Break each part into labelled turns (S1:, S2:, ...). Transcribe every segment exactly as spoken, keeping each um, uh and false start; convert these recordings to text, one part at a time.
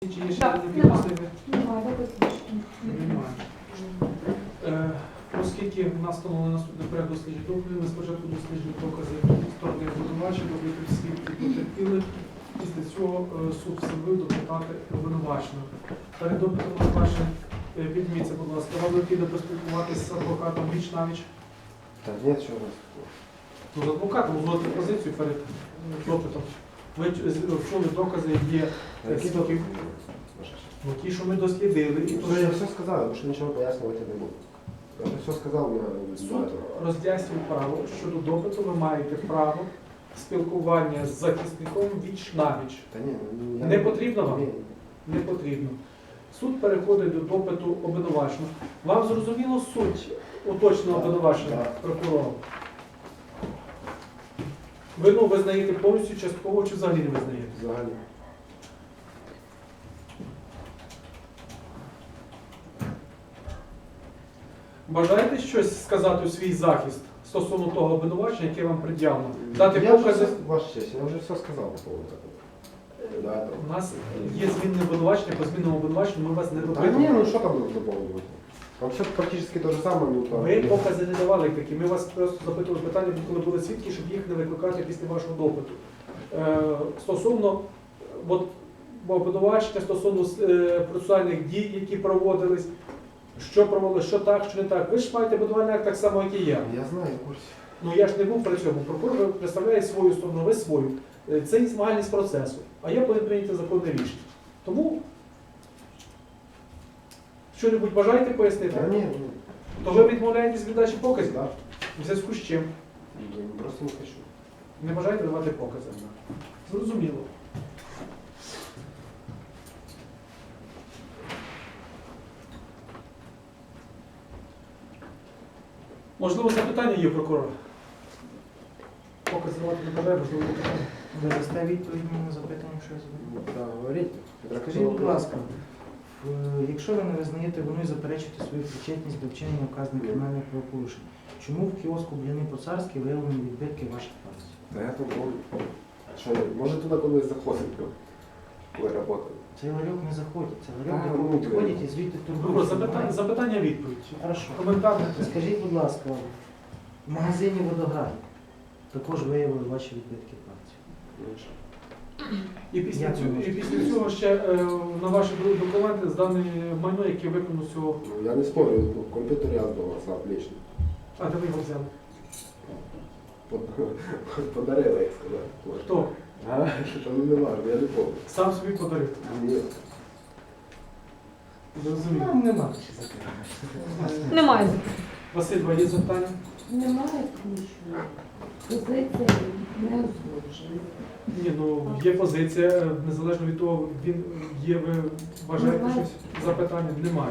S1: Чи є ще
S2: Так,
S1: такі
S2: нема.
S1: підозрювані?
S2: Немає, виключно.
S1: Немає. Е, Оскільки в нас встановлено наступний порядок досліджень доказів, ми спочатку досліджуємо докази сторони обвинувачення, допитів свідків потерпілих. Після цього е, суд встановив допитати обвинуваченого. Перед допитом обвинувачення е, підніміться, будь ласка, вам необхідно поспілкуватися з адвокатом віч-навіч.
S3: Да нет, что у вас?
S1: Ну, з адвокатом узгодити позицію перед е, допитом. Ви з- чули докази, є е,
S3: Які
S1: свідків, ну, ті, що ми дослідили. І то,
S3: Уже
S1: що
S3: я все сказал, я больше ничего пояснювать не буду. Я уже все сказал на
S1: Суд роз'яснює право, щодо допиту ви маєте право спілкування з захисником віч-навіч.
S3: Да не, ну, я...
S1: Не потрібно вам?
S3: Не,
S1: Не потрібно. Суд переходить до допиту обвинуваченого. Вам зрозуміло суть уточненого
S3: Так,
S1: обвинувачення
S3: так.
S1: прокурором? Вину визнаєте повністю, частково чи взагалі не визнаєте?
S3: взагалі.
S1: Бажаєте щось сказати у свій захист стосовно того обвинувачення, яке вам пред'явлено? Дати
S3: Я уже
S1: покази?
S3: все, ваша честь, я уже все сказал по поводу этого. Да, это...
S1: У нас є змінне обвинувачення, по змінному обвинуваченню ми вас не
S3: Да
S1: допитуємо.
S3: не, ну что там дополнить? Там все практически то же самое. Ну, там...
S1: Ми покази не давали такі. Ми вас просто запитували питання, коли були свідки, щоб їх не викликати після вашого допиту. Е, стосовно от, обвинувачення, стосовно е, процесуальних дій, які проводились, що проводилось, що так, що не так. Ви ж маєте обвинувальний акт так само, як і я.
S3: Я знаю, в курсе.
S1: Ну я ж не був при цьому. Прокурор представляє свою сторону, ви свою. Е, Це є змагальність процесу. А я повинен прийняти законне рішення. Тому що-небудь бажаєте пояснити?
S3: Да не, не.
S1: То ви відмовляєтесь від дачі показів?
S3: Да.
S1: В зв'язку з чим?
S3: Да, просто не хочу.
S1: Не бажаєте давати покази? Зрозуміло. Можливо, запитання є у прокурора? Покази давати не бажає, можливо, запитання.
S4: Ви дасте відповідь на запитання, що я задаю?
S3: Ну, да, говорите.
S4: Скажіть, будь ласка, в- якщо ви не визнаєте вину і заперечуєте свою причетність до вчинення вказаних кримінальних правопорушень, чому в кіоску Бліни по-царськи виявлені відбитки ваших пальців?
S3: Да я тут говорю. Что, может туда куда-то заходит, коли работает.
S4: Цей ларьок не заходить, це
S3: А,
S4: ларьок,
S3: ну,
S4: де підходять і звідти
S1: Прокурор,
S4: торгують.
S1: запитання, запитання відповідь.
S4: Хорошо.
S1: Коментар не треба.
S4: Скажіть, будь ласка, в магазині Водограй також виявили ваші відбитки пальців.
S3: Ну, що?
S1: І після,
S4: Як
S1: цього,
S4: ви
S1: і
S4: можете
S1: після цього ще е, на ваші документи здане майно, яке виконано з цього.
S3: Ну, я не спорю, ну, компьютер я сдал, сам лично.
S1: А де ви його взяли?
S3: Под- Подарила, як сказати. Може.
S1: Хто?
S3: А, що ну, не важно, я не помню.
S1: Сам собі подарив.
S3: Ні.
S1: Зрозуміло.
S4: Нам нема ще запитання.
S2: Немає.
S1: Василь, є запитання?
S5: Немає тому що позиція не узгоджена.
S1: Ні, ну є позиція, е, незалежно від того, він є, ви бажаєте
S5: Немає.
S1: щось запитання? Немає.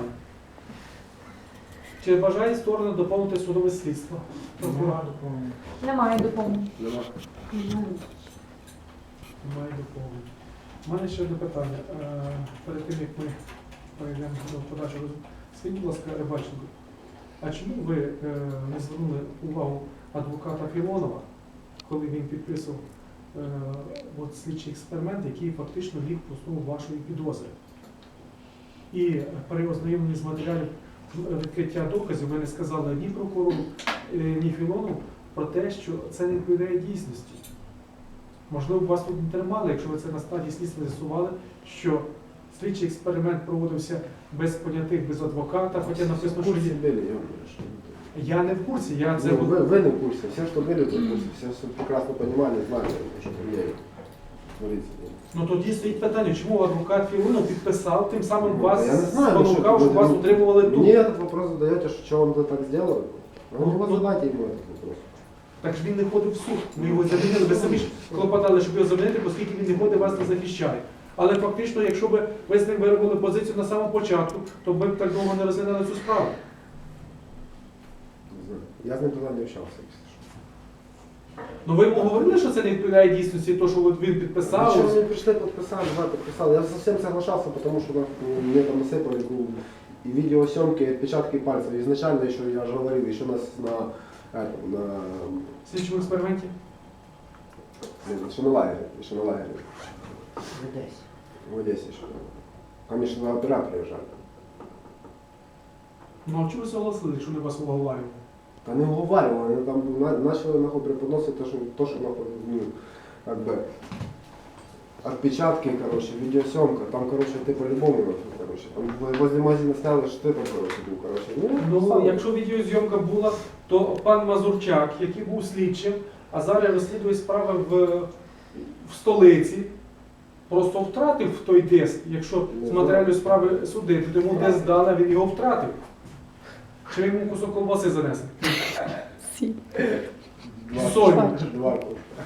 S1: Чи бажає сторона доповнити судове слідство?
S4: Нема доповнення.
S2: Немає доповнення.
S3: Нема.
S5: Немає.
S1: Немає доповнення. У мене ще одне питання. Е, Перед тим, як ми перейдемо до подальшого розвитку. Скажіть, будь ласка, Рибаченко, а чому ви е, не звернули увагу адвоката Філонова, коли він підписував е, от слідчий експеримент, який фактично ліг в основу вашої підозри? І при ознайомленні з матеріалів відкриття доказів ви не сказали ні прокурору, е, ні Філонову про те, що це не відповідає дійсності. Можливо, вас тут не тримали, якщо ви це на стадії слідства з'ясували, що слідчий експеримент проводився без понятих, без адвоката, хоча написано, що
S3: Курсі
S1: є.
S3: були, я говорю, що не так.
S1: Я не в курсі, я це...
S3: Ну, вы, вы не в курсе, все, что были, то в курсе, все, все прекрасно понимали, знали, что там я творится.
S1: Ну тоді стоїть питання, чому адвокат Філонов підписав, тим самим
S3: Ну,
S1: вас
S3: я не знаю, ну,
S1: спонукав,
S3: що
S1: щоб вас
S3: ви-
S1: утримували тут.
S3: Мне этот вопрос задаете, что, что он это так сделал? Ну,
S1: Ну,
S3: вы
S1: ну,
S3: задайте ему этот вопрос.
S1: Так ж він не ходив в суд. Ми його замінили. Ви самі ж клопотали, щоб його замінити, оскільки він не ходить, вас не захищає. Але фактично, якщо б ви з ним виробили позицію на самому початку, то ми б так довго не розглядали цю справу.
S3: Не знаю. Я с ним туда не общался, если что.
S1: Ну ви йому говорили, що це не відповідає дійсності, то, що от він підписав.
S3: Зачем мне пришли, подписали, да, подписал. Я совсем соглашался, потому что ну, мне там насыпали ну, и видеосъемки, и отпечатки пальцев. Изначально еще, я же говорил, еще нас на, этом, на,
S1: В слідчому експерименті.
S3: блин, еще на лагере, еще на лагере,
S4: Ви десь.
S3: в Одессе еще. Конечно, на оператора жаль.
S1: Ну а чому ви согласились, якщо не вас уговарювали?
S3: Та не уговаривали, вони там на- почали нахуй преподносити те, що, то, що нахуй, ну, как бы, отпечатки, короче, видеосъемка, там, короче, ты по-любому, нахуй, короче, там в- возле магазина сняли, що ти там, короче, був, короче. Ну,
S1: Ну,
S3: сам.
S1: якщо відеозйомка була, то пан Мазурчак, який був слідчим, а зараз розслідує справи в, в столиці, просто втратив той диск. Якщо з матеріалів справи судити, то йому диск дали, а він його втратив. Чи він йому кусок колбаси занесли?
S3: Два-
S1: Сотні.
S3: Два.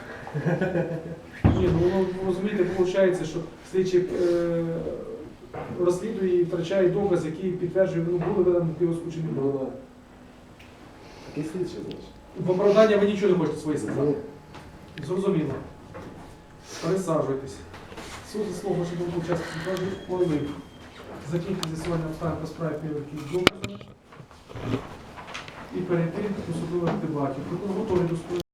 S1: Ні, ну воно, розумієте, виходить, що слідчий е, розслідує і втрачає доказ, який підтверджує, ну були видані в кіоску чи не
S3: Ну,
S1: було.
S3: да. Такий слідчий, значить.
S1: В оправдання ви нічого не хочете своє сказати.
S3: Ні.
S1: Зрозуміло. Присаджуйтесь. Суд заслуг вашу думку час ухвалив. Закінчити з'ясування обставин по справі підвищення доказу і перейти до судових дебатів. Прокурор готовий до судових